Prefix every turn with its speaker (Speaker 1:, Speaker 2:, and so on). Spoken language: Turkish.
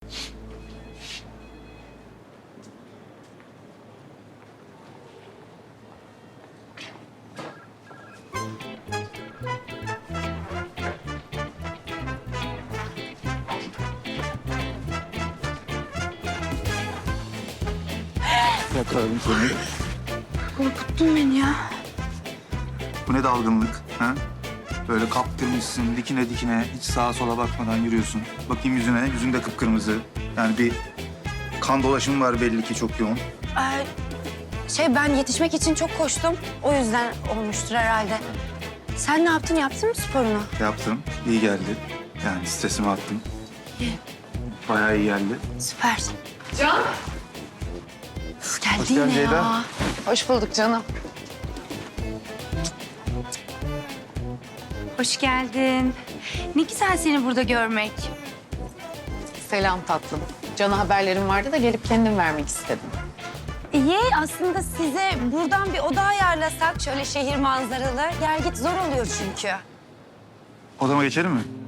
Speaker 1: Yakaladım seni.
Speaker 2: Korkuttun beni ya.
Speaker 1: Bu ne dalgınlık? Ha? Böyle kaptırmışsın dikine dikine, hiç sağa sola bakmadan yürüyorsun. Bakayım yüzüne, yüzün de kıpkırmızı. Yani bir kan dolaşımı var belli ki, çok yoğun.
Speaker 2: Ben yetişmek için çok koştum. O yüzden olmuştur herhalde. Sen ne yaptın? Yaptın mı sporunu?
Speaker 1: Yaptım, iyi geldi. Yani stresimi attım. Bayağı iyi geldi.
Speaker 2: Süper.
Speaker 3: Can.
Speaker 2: Uf, geldi
Speaker 1: Hoş geldin
Speaker 2: yine
Speaker 1: Ceyda.
Speaker 2: ya.
Speaker 3: Hoş bulduk canım.
Speaker 4: Hoş geldin. Ne güzel seni burada görmek.
Speaker 3: Selam tatlım. Can'a haberlerim vardı da gelip kendim vermek istedim.
Speaker 2: İyi, aslında size buradan bir oda ayarlasak şöyle şehir manzaralı. Gel git zor oluyor çünkü.
Speaker 1: Odama geçelim mi?